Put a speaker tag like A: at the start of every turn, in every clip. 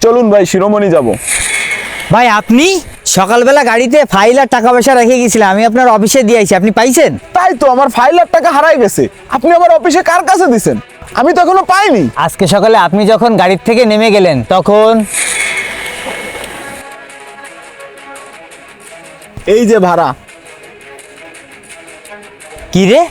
A: চলুন ভাই, শিরোমণি যাব।
B: ভাই আপনি সকালবেলা গাড়িতে ফাইল আর টাকা পয়সা রেখে গেছিলেন, আমি আপনার অফিসে দিয়ে আইছি, আপনি পাইছেন?
A: তাই তো, আমার 5 লাখ টাকা হারাই গেছে। আপনি আমার অফিসে কার কাছে দিছেন? আমি তো এখনো পাইনি।
B: আজকে সকালে আপনি যখন গাড়ির থেকে নেমে গেলেন তখন
A: এই যে ভাড়া।
B: কি রে,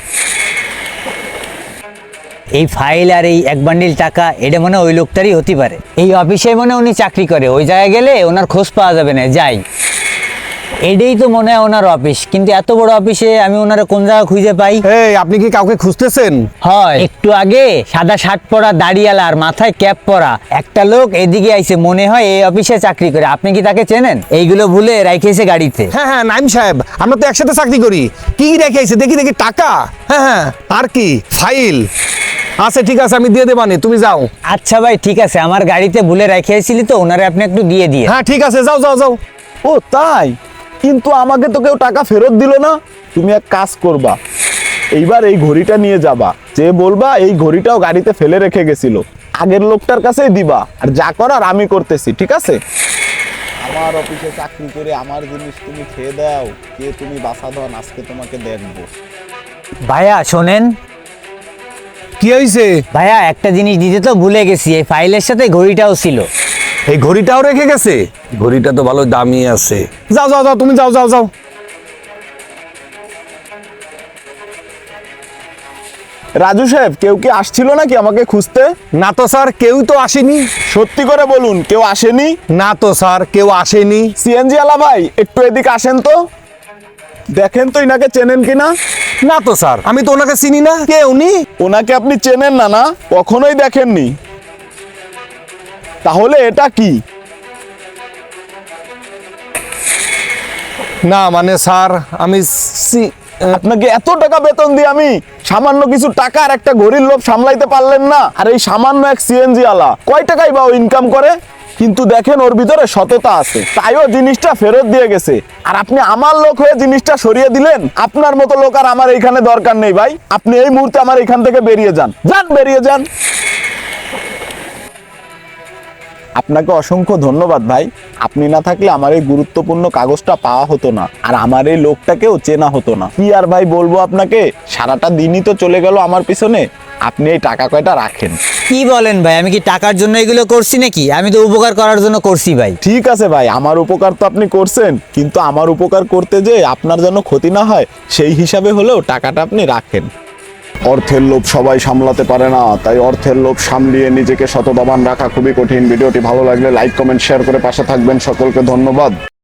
B: এই ফাইল আর এই এক বান্ডিল টাকা এটা মনে হয় ওই লোকটারই হতে পারে। এই অফিসে মনে হয় উনি চাকরি করে, ওই জায়গায় গেলে ওনার খোঁজ পাওয়া যাবে না। যাই, এটাই তো মনে হয় ওনার অফিস, কিন্তু এত বড় অফিসে আমি ওনারা কোন জায়গা খুঁজে পাই?
C: এই আপনি কি কাউকে খুঁজতেছেন?
B: হয়, একটু আগে সাদা শার্ট পরা, দাড়িওয়ালা আর মাথায় ক্যাপ পরা একটা লোক এদিকে আইছে, মনে হয় এই অফিসে চাকরি করে। আপনি কি তাকে চেনেন? এইগুলো ভুলে রাইখেছে গাড়িতে।
C: হ্যাঁ হ্যাঁ, নাইম সাহেব, আমরা তো একসাথে চাকরি করি। কি রেখেছে দেখি দেখি, টাকা? হ্যাঁ হ্যাঁ, আর কি ফাইল? আচ্ছা ঠিক আছে, আমি দিয়ে দেবানি, তুমি যাও।
B: আচ্ছা ভাই ঠিক আছে, আমার গাড়িতে ভুলে রাখিয়েছিলি তো, ওনারে আপনি একটু দিয়ে দিয়ে।
C: হ্যাঁ ঠিক আছে, যাও যাও যাও।
A: ও তাই, কিন্তু আমাকে তো কেউ টাকা ফেরত দিল না। তুমি এক কাজ করবা, এইবার এই ঘড়িটা নিয়ে যাবা, যে বলবা এই ঘড়িটাও গাড়িতে ফেলে রেখে গেছিল, আগের লোকটার কাছেই দিবা, আর যা করার আমি করতেছি, ঠিক আছে? আমার অফিসে চাকরি করে আমার জিনিস তুমি খেয়ে দাও, কে তুমি বাসাধন, আজকে তোমাকে দেখবো।
B: ভাইয়া শোনেন,
C: কি হয়েছে?
B: ভাইয়া একটা জিনিস দিতে তো ভুলে গেছি, এই ফাইলের সাথে ঘড়িটাও ছিল।
C: এই ঘড়িটাও রেখে গেছে? ঘড়িটা তো ভালো দামি আছে। যাও যাও যাও, তুমি যাও যাও যাও।
A: রাজু সাহেব, কেউ কি আসছিল নাকি আমাকে খুঁজতে?
C: না তো স্যার, কেউ তো আসেনি।
A: সত্যি করে বলুন, কেউ আসেনি?
C: না তো স্যার, কেউ আসেনি।
A: সিএনজি আলা ভাই, একটু এদিকে আসেন তো, দেখেন তো ইনাকে চেনেন কিনা।
C: না তো স্যার, আমি তো ওনাকে চিনি না। কে উনি?
A: ওনাকে আপনি চেনেন না? না, কখনোই দেখেননি? তাহলে এটা কি?
C: না মানে স্যার, আমি
A: আপনাকে এত টাকা বেতন দিই আমি, সামান্য কিছু টাকা আর একটা ঘড়ির লোভ সামলাইতে পারলেন না? আর এই সামান্য এক সিএনজি আলা কয় টাকাই বা ইনকাম করে? কিন্তু দেখেন ওর ভিতরে সততা আছে, তাইও জিনিসটা ফেরত দিয়ে গেছে। আর আপনি আমার লোক হয়ে জিনিসটা সরিয়ে দিলেন। আপনার মতো লোক আর আমার এইখানে দরকার নেই ভাই। আপনি এই মুহূর্তে আমার এখান থেকে বেরিয়ে যান, যান বেরিয়ে যান। আপনাকে অসংখ্য ধন্যবাদ ভাই, আপনি না থাকলে আমার এই গুরুত্বপূর্ণ কাগজটা পাওয়া হতো না, আর আমার এই লোকটাকেও চেনা হতো না। কি আর ভাই বলবো আপনাকে, সারাটা দিনই তো চলে গেল আমার পিছনে। আপনি এই টাকা কয়টা রাখেন।
B: কি বলেন ভাই, আমি কি টাকার জন্য এগুলো করছি নাকি? আমি তো উপকার করার জন্য করছি ভাই।
A: ঠিক আছে ভাই, আমার উপকার তো আপনি করছেন, কিন্তু আমার উপকার করতে যে আপনার যেন ক্ষতি না হয়, সেই হিসাবে হলেও টাকাটা আপনি রাখেন। অর্থের লোভ সবাই সামলাতে পারে না, তাই অর্থের লোভ সামলিয়ে নিজেকে সততাবান রাখা খুবই কঠিন। ভিডিওটি ভালো লাগলে লাইক, কমেন্ট, শেয়ার করে পাশে থাকবেন। সকলকে ধন্যবাদ।